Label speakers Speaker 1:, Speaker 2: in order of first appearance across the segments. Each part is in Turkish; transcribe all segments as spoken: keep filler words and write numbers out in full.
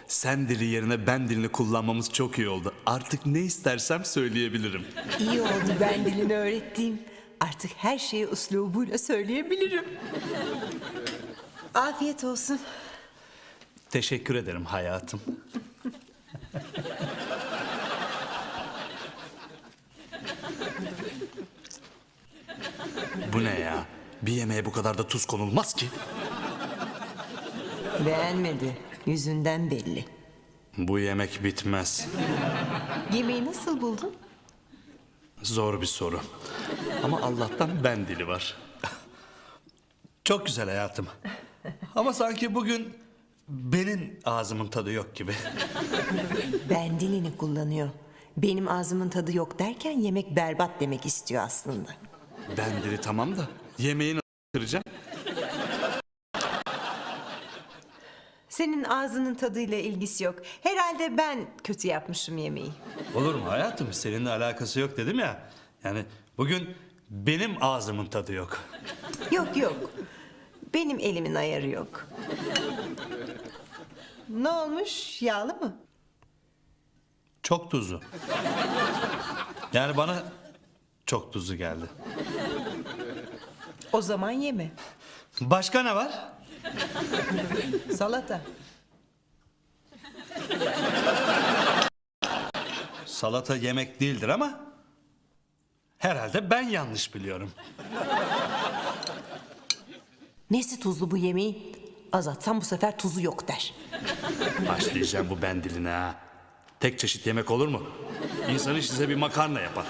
Speaker 1: Sen dili yerine ben dilini kullanmamız çok iyi oldu. Artık ne istersem söyleyebilirim.
Speaker 2: İyi oldu ben dilini öğrettiğim. Artık her şeyi üslubuyla söyleyebilirim. Afiyet olsun.
Speaker 1: Teşekkür ederim hayatım. Bu ne ya? Bir yemeğe bu kadar da tuz konulmaz ki.
Speaker 2: Beğenmedi. Yüzünden belli.
Speaker 1: Bu yemek bitmez.
Speaker 2: Yemeği nasıl buldun?
Speaker 1: Zor bir soru. Ama Allah'tan ben dili var. Çok güzel hayatım. Ama sanki bugün benim ağzımın tadı yok gibi.
Speaker 2: Ben dilini kullanıyor. Benim ağzımın tadı yok derken yemek berbat demek istiyor aslında.
Speaker 1: Ben dili tamam da yemeği nasıl kıracağım?
Speaker 2: Senin ağzının tadıyla ilgisi yok. Herhalde ben kötü yapmışım yemeği.
Speaker 1: Olur mu hayatım? Seninle alakası yok dedim ya. Yani bugün benim ağzımın tadı yok.
Speaker 2: Yok yok. Benim elimin ayarı yok. Ne olmuş? Yağlı mı?
Speaker 1: Çok tuzlu. Yani bana çok tuzlu geldi.
Speaker 2: O zaman yeme.
Speaker 1: Başka ne var?
Speaker 2: Salata.
Speaker 1: Salata yemek değildir ama herhalde ben yanlış biliyorum.
Speaker 2: Nesi tuzlu bu yemeğin? Azaltsam bu sefer tuzu yok der.
Speaker 1: Başlayacağım bu ben diline ha. Tek çeşit yemek olur mu? İnsan hiç size bir makarna yapar.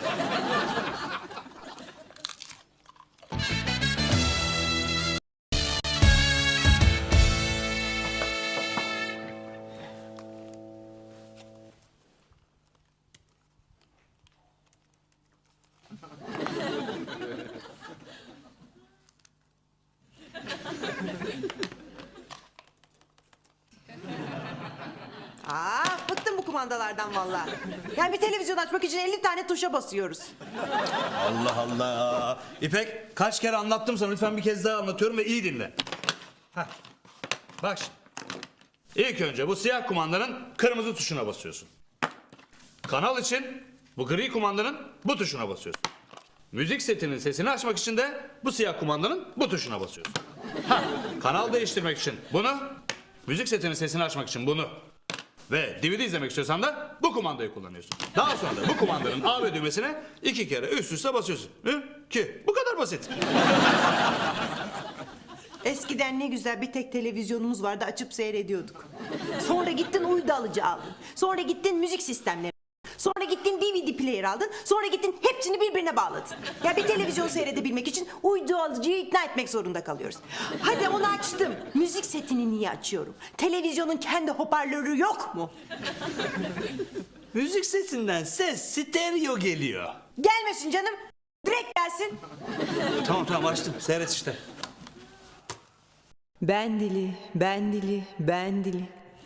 Speaker 2: Aa, bıktım bu kumandalardan vallahi. Yani bir televizyon açmak için elli tane tuşa basıyoruz.
Speaker 1: Allah Allah. İpek kaç kere anlattım sana, lütfen bir kez daha anlatıyorum ve iyi dinle. Heh. Bak şimdi. İlk önce bu siyah kumandanın kırmızı tuşuna basıyorsun. Kanal için bu gri kumandanın bu tuşuna basıyorsun. Müzik setinin sesini açmak için de bu siyah kumandanın bu tuşuna basıyorsun. Ha, kanal değiştirmek için bunu, müzik setinin sesini açmak için bunu ve D V D izlemek istiyorsan da bu kumandayı kullanıyorsun. Daha sonra da bu kumandanın A ve düğmesine iki kere üst üste basıyorsun. Hı? Ki bu kadar basit.
Speaker 2: Eskiden ne güzel bir tek televizyonumuz vardı, açıp seyrediyorduk. Sonra gittin uydu alıcı aldın. Sonra gittin müzik sistemleri. Sonra gittin D V D player aldın. Sonra gittin hepsini birbirine bağladın. Ya bir televizyon seyredebilmek için uydu alıcıyı ikna etmek zorunda kalıyoruz. Hadi onu açtım. Müzik setini niye açıyorum? Televizyonun kendi hoparlörü yok mu?
Speaker 1: Müzik setinden ses stereo geliyor.
Speaker 2: Gelmesin canım. Direkt gelsin.
Speaker 1: Tamam tamam açtım, seyret işte.
Speaker 2: Ben dili, ben dili, ben dili.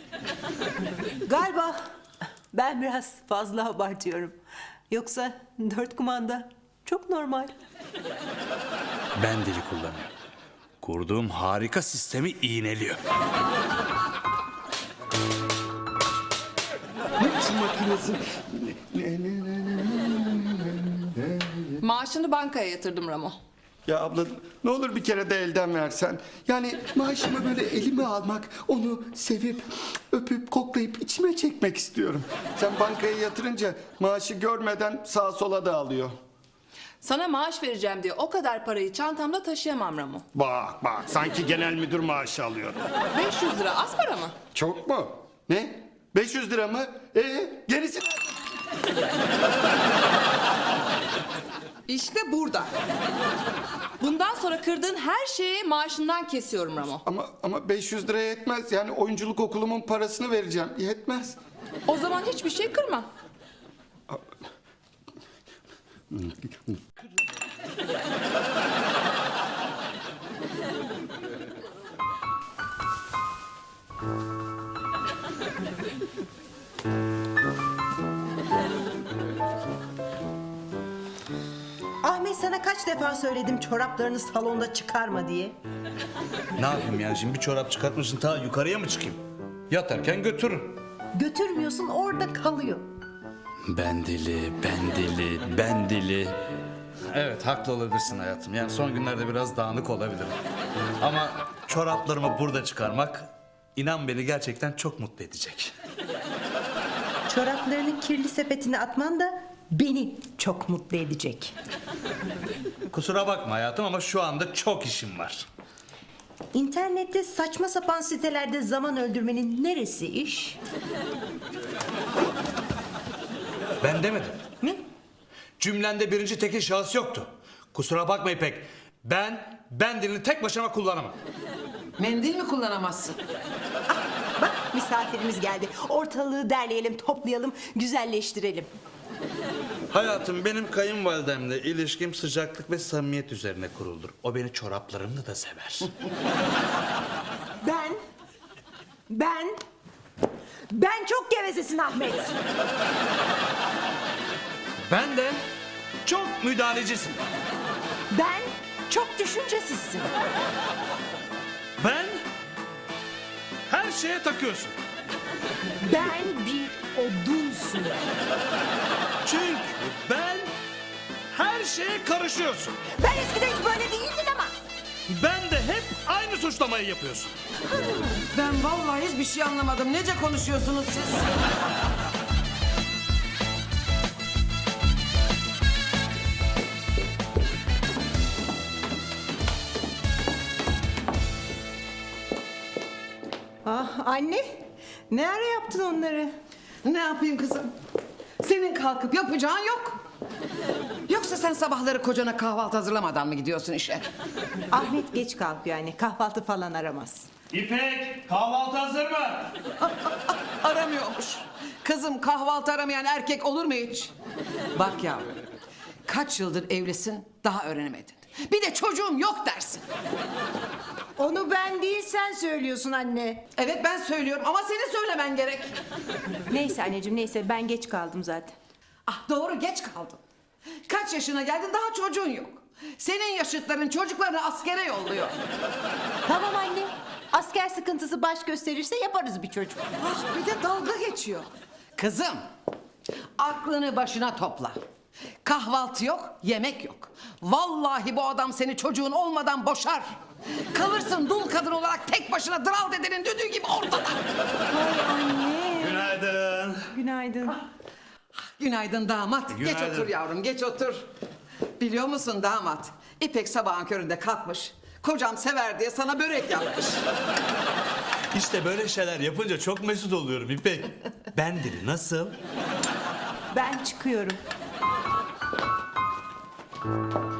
Speaker 2: Galiba ben biraz fazla abartıyorum. Yoksa dört kumanda çok normal.
Speaker 1: Ben dili kullanıyor. Kurduğum harika sistemi iğneliyor.
Speaker 3: Maaşını bankaya yatırdım Ramo.
Speaker 4: Ya abla ne olur bir kere de elden versen. Yani maaşımı böyle elime almak, onu sevip, öpüp, koklayıp içime çekmek istiyorum. Sen bankaya yatırınca maaşı görmeden sağa sola dağılıyor.
Speaker 3: Sana maaş vereceğim diye o kadar parayı çantamda taşıyamam Ramo.
Speaker 4: Bak bak sanki genel müdür maaşı alıyor.
Speaker 3: beş yüz lira az para mı?
Speaker 4: Çok mu? Ne? beş yüz lira mı? Ee, gerisi nerede?
Speaker 3: İşte burada. Bundan sonra kırdığın her şeyi maaşından kesiyorum Ramo.
Speaker 4: Ama ama beş yüz liraya yetmez. Yani oyunculuk okulumun parasını vereceğim. Yetmez.
Speaker 3: O zaman hiçbir şey kırma.
Speaker 2: Ahmet, sana kaç defa söyledim çoraplarını salonda çıkarma diye.
Speaker 1: Ne yapayım yani, şimdi bir çorap çıkartmışsın, ta yukarıya mı çıkayım? Yatarken götürürüm.
Speaker 2: Götürmüyorsun, orada kalıyor.
Speaker 1: Ben deli, ben deli, ben deli. Evet, haklı olabilirsin hayatım. Yani son günlerde biraz dağınık olabilirim. Ama çoraplarımı burada çıkarmak, inan beni gerçekten çok mutlu edecek.
Speaker 2: Çoraplarını kirli sepetine atman da beni çok mutlu edecek.
Speaker 1: Kusura bakma hayatım ama şu anda çok işim var.
Speaker 2: İnternette saçma sapan sitelerde zaman öldürmenin neresi iş?
Speaker 1: Ben demedim.
Speaker 2: Ne?
Speaker 1: Cümlende birinci tekil şahıs yoktu. Kusura bakma İpek. Ben, ben dilini tek başıma kullanamam.
Speaker 5: Mendil mi kullanamazsın?
Speaker 2: Bak misafirimiz geldi. Ortalığı derleyelim, toplayalım, güzelleştirelim.
Speaker 1: Hayatım, benim kayınvalidemle ilişkim sıcaklık ve samimiyet üzerine kuruldur. O beni çoraplarımla da sever.
Speaker 2: Ben, ben, ben çok gevezesin Ahmet.
Speaker 1: Ben de çok müdahalecisin.
Speaker 2: Ben çok düşüncesizsin.
Speaker 1: Ben her şeye takıyorsun.
Speaker 2: Ben bir odunsun.
Speaker 1: Çünkü ben her şeye karışıyorsun.
Speaker 2: Ben eskiden hiç böyle değildim ama.
Speaker 1: Ben de hep aynı suçlamayı yapıyorsun.
Speaker 5: Ben vallahi hiçbir şey anlamadım. Nece konuşuyorsunuz siz?
Speaker 2: Ah anne, ne ara yaptın onları?
Speaker 5: Ne yapayım kızım? Senin kalkıp yapacağın yok. Yoksa sen sabahları kocana kahvaltı hazırlamadan mı gidiyorsun işe?
Speaker 2: Ahmet geç kalkıyor yani, kahvaltı falan aramaz.
Speaker 1: İpek, kahvaltı hazır mı?
Speaker 5: Aramıyormuş. Kızım, kahvaltı aramayan erkek olur mu hiç? Bak yavrum, kaç yıldır evlisin daha öğrenemedin. Bir de çocuğum yok dersin.
Speaker 2: Onu ben değil sen söylüyorsun anne.
Speaker 5: Evet, ben söylüyorum ama senin söylemen gerek.
Speaker 2: Neyse anneciğim neyse, ben geç kaldım zaten.
Speaker 5: Ah, doğru, geç kaldın. Kaç yaşına geldin, daha çocuğun yok. Senin yaşıtların çocuklarını askere yolluyor.
Speaker 2: Tamam anne, asker sıkıntısı baş gösterirse yaparız bir çocuk.
Speaker 5: Ah, bir de dalga geçiyor. Kızım, aklını başına topla. Kahvaltı yok, yemek yok. Vallahi bu adam seni çocuğun olmadan boşar. Kalırsın dul kadın olarak tek başına dral dedenin düdüğü gibi ortada.
Speaker 2: Ay anne.
Speaker 1: Günaydın.
Speaker 2: Günaydın.
Speaker 5: Günaydın damat. Geç
Speaker 1: Günaydın.
Speaker 5: otur yavrum, geç otur. Biliyor musun damat? İpek sabahın köründe kalkmış. Kocam sever diye sana börek yapmış.
Speaker 1: İşte böyle şeyler yapınca çok mesut oluyorum İpek. Ben dili nasıl?
Speaker 2: Ben çıkıyorum.